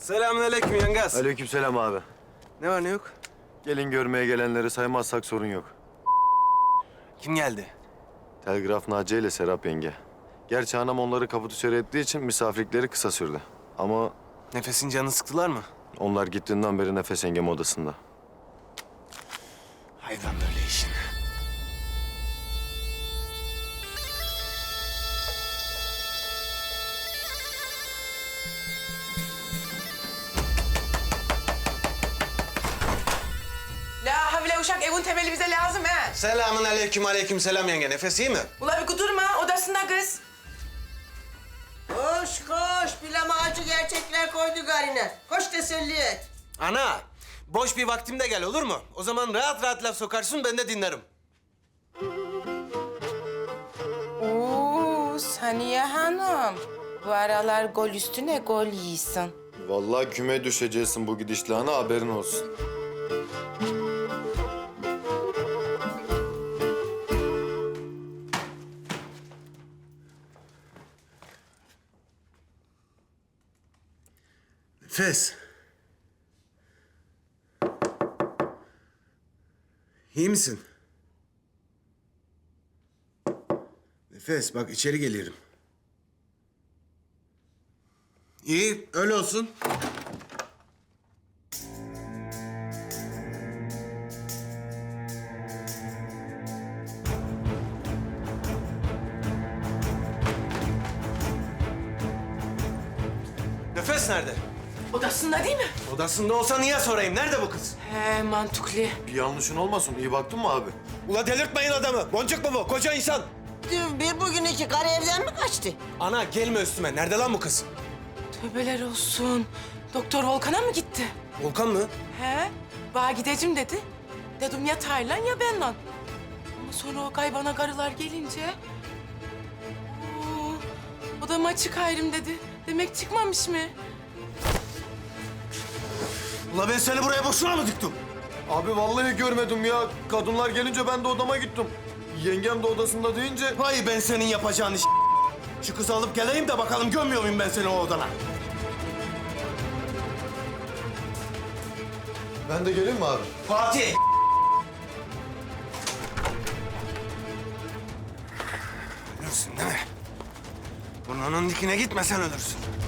Selamünaleyküm yengaz. Aleykümselam abi. Ne var ne yok? Gelin görmeye gelenleri saymazsak sorun yok. Kim geldi? Telgraf Naciye ile Serap yenge. Gerçi anam onları kapı dışarı ettiği için misafirlikleri kısa sürdü. Ama Nefesin canını sıktılar mı? onlar gittiğinden beri Nefes yengem odasında. Hayvan böyle işin. La havle uşak evin temeli bize lazım ha. Selamünaleyküm, aleykümselam yenge. Nefes iyi mi? Ula bir kudurma odasında kız. Koş koş, bilama acı gerçekler koydu garine. Koş teselli et. Ana, boş bir vaktimde gel olur mu? O zaman rahat rahat laf sokarsın, ben de dinlerim. Oo Saniye Hanım. Bu aralar gol üstüne gol yiyorsun. Vallahi küme düşeceksin bu gidişle ana, haberin olsun. Nefes. İyi misin? Nefes, bak içeri gelirim. İyi, öyle olsun. Nefes nerede? Odasında değil mi? Odasında olsa niye sorayım? Nerede bu kız? He mantıklı. Bir yanlışın olmasın, iyi baktın mı abi? Ula delirtmeyin adamı. Boncuk mu bu? Koca insan. Dün bir bugün iki karı evden mi kaçtı? Ana gelme üstüme. Nerede lan bu kız? Tövbeler olsun. Doktor Volkan'a mı gitti? Volkan mı? He? Bana gideceğim dedi. Dedim ya Taylan ya benle. Ama sonra o kaybana karılar gelince... Oo, o da maçı ayrım dedi. Demek çıkmamış mı? Ula ben seni buraya boşuna mı diktim? Abi vallahi görmedim ya. Kadınlar gelince ben de odama gittim. Yengem de odasında deyince... Vay ben senin yapacağın iş. Şu kızı alıp geleyim de bakalım gömüyor muyum ben seni o odana? Ben de geleyim mi abi? Fatih! Ölürsün değil mi? Burnunun dikine gitmesen ölürsün.